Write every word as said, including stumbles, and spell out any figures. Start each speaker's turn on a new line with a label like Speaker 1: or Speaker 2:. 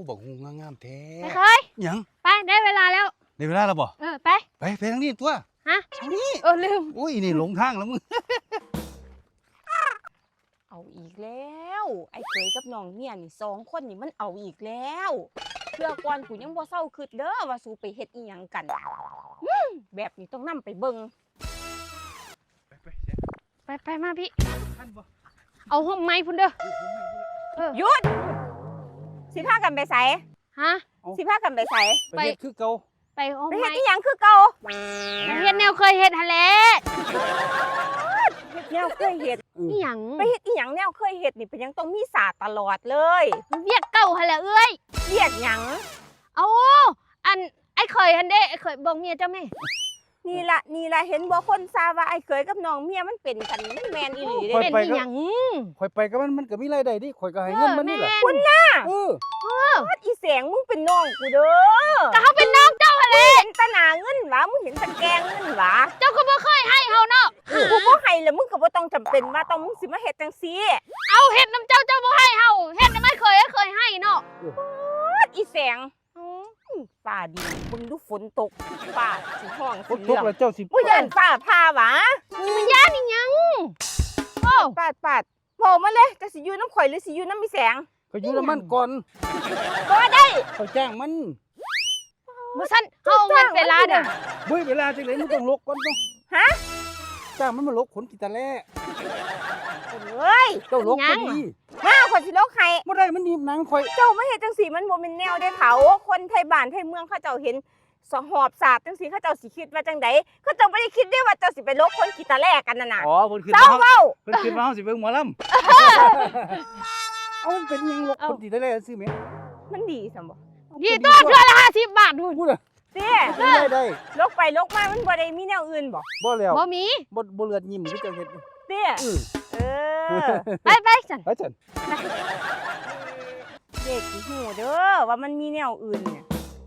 Speaker 1: บอกงูงามๆแท้
Speaker 2: ไม่เคย
Speaker 1: ยัง
Speaker 2: ไปได้เวลาแล้ว
Speaker 1: ได้เวลาแล้วบ่
Speaker 2: เออไป
Speaker 1: ไปไปทางนี้ตัว
Speaker 2: ฮะ
Speaker 1: ทางนี้
Speaker 2: เออลืม
Speaker 1: อุ้ยนี่หลงทางแล้วมึง
Speaker 3: เอาอีกแล้วไอ้เคยกับน้องเมียนี่สองคนนี่มันเอาอีกแล้วเพื่อก่อนกูยังบ่เศร้าคิดเด้อว่าสู้ไปเฮ็ดอีหยังกันแบบนี้ต้องนำไปเบิ่ง
Speaker 1: ไปไป
Speaker 2: ไปไปมาพี่
Speaker 1: ท่านบ่
Speaker 2: เอาห้องไม้พุ่นเด้อเออ
Speaker 3: หยุดสิพากันไปไส
Speaker 2: ฮะ
Speaker 3: สิพากันไปไส
Speaker 1: ไปเฮ็ดคือเก่า
Speaker 2: ไปห้อง
Speaker 3: ไปเฮ็
Speaker 2: ไม้
Speaker 3: ดอีหยังคือเก่า
Speaker 2: ไปเฮ็ดแนวเคยเฮ็ดหั่นแหละ
Speaker 3: เฮ็ดแนวเคยเฮ็ด
Speaker 2: อีหยัง
Speaker 3: ไปเฮ็ดอีหยังแนวเคยเฮ็ดนี่เป็นยังต้องมีศาสตร์ตลอดเลย
Speaker 2: เวียกเก่าหั่นแหละเอ้ย
Speaker 3: เรียกหยัง
Speaker 2: เอาอันไอ้เคยหั่นเด้ไอ้เคยบอกเมียเจ้าแม่
Speaker 3: นี่ละนี่ละเห็นบ่คนซาว่าไอ้เคยกับน้องเมียมันเป็นกันมันแมนอีหลีเด้
Speaker 2: เป็นอีหยัง
Speaker 1: ข่อยไปกับมันมันก็มีรายได้ดิข่อยก็ให้เงินมันนี่แหละ
Speaker 3: คุณน่ะ
Speaker 1: เออ
Speaker 3: อีแสงมึงเป็นน้องกูเด้อ
Speaker 2: ก็เขาเป็นน้องเจ้าหั่นแหละ
Speaker 3: เห็นตะหนาเงินหวะมึงเห็นตะแกงเงินหวะ
Speaker 2: เจ้าก็บ่เคยให้เฮาเนาะ
Speaker 3: กูบ่ให้แล้วมึงก็บ่ต้องจำเป็นว่าต้องมึงสิมาเฮ็ดจังซี่
Speaker 2: เอาเฮ็ดน้ำเจ้าเจ้าบ่ให้เฮาเฮ็ดไม่เคยเคยให้เนาะ
Speaker 3: อีแสงฟ้าดีมึงดูฝนตกฟ้าสิห้อง
Speaker 1: ฝ
Speaker 3: สิ
Speaker 1: นต
Speaker 3: เรื่
Speaker 1: ก
Speaker 3: อง
Speaker 1: แล้วเจ้าสิ
Speaker 3: มึงย่านฟ้าผ่าหวะ
Speaker 2: มันย่านอีหยังโอ้
Speaker 3: ปาดปาดบอกมาเลยจะสิอยู่น้ำข่อยหรือสิอยู่น้ำมีแสง
Speaker 1: ก็อยู่น้ำมันก่อน
Speaker 3: บ่ได้
Speaker 1: เขาจ้างมัน
Speaker 2: บ่ซั่นเฮาเงินเวลาเด้อ
Speaker 1: บุ้ยเวลาจังได๋มึงต้องลกก่อนต้อง
Speaker 3: ฮะ
Speaker 1: จ้างมันมาลกขนกีตาร์แล่
Speaker 3: เฮ้ย
Speaker 1: เจ้าลกก็ดี
Speaker 3: มาข่อยสิโลกให้
Speaker 1: บ่ได้มันหนีบหนังข่อย
Speaker 3: เจ้ามาเฮ็ดจังซี่มันบ่แม่นแนวได้เผาคนไทยบ้านไทยเมืองเขาเจ้าเห็นสหอบศาสตร์จังซี่เขาเจ้าสิคิดว่าจังไดเขาเจ้าบ่ได้คิดได้ว่าเจ้าสิไปลกคนกีตาร์แลกันนั่นน่ะ
Speaker 1: อ๋อเพิ่นคิด
Speaker 3: เจ้า
Speaker 1: ว่า
Speaker 3: เว้า
Speaker 1: เพิ่นคิดว่าเฮาสิเบิ่งหมอลำเอามันเป็นหยังลกคนกีตาร์แล่ซื่อแหม
Speaker 3: มันดีซั่นบ่
Speaker 2: ดีตัวเทื่อละห้าสิบบาทนู่น
Speaker 1: พูดอ่ะ
Speaker 3: เต้
Speaker 1: ได้ได้
Speaker 3: ลกไปลกมามันบ่ได้มีแนวอื่นบ่
Speaker 1: บ่แล้ว
Speaker 2: บ่มี
Speaker 1: บ่บ่เลือดยิ้มคือเจ้าเฮ็ด
Speaker 3: เต้
Speaker 1: เออ
Speaker 3: เออ
Speaker 2: ไปไปซั่น
Speaker 1: ไปจัน
Speaker 3: เด็กสิฮู้เด้อว่ามันมีแนวอื่นเนี่ย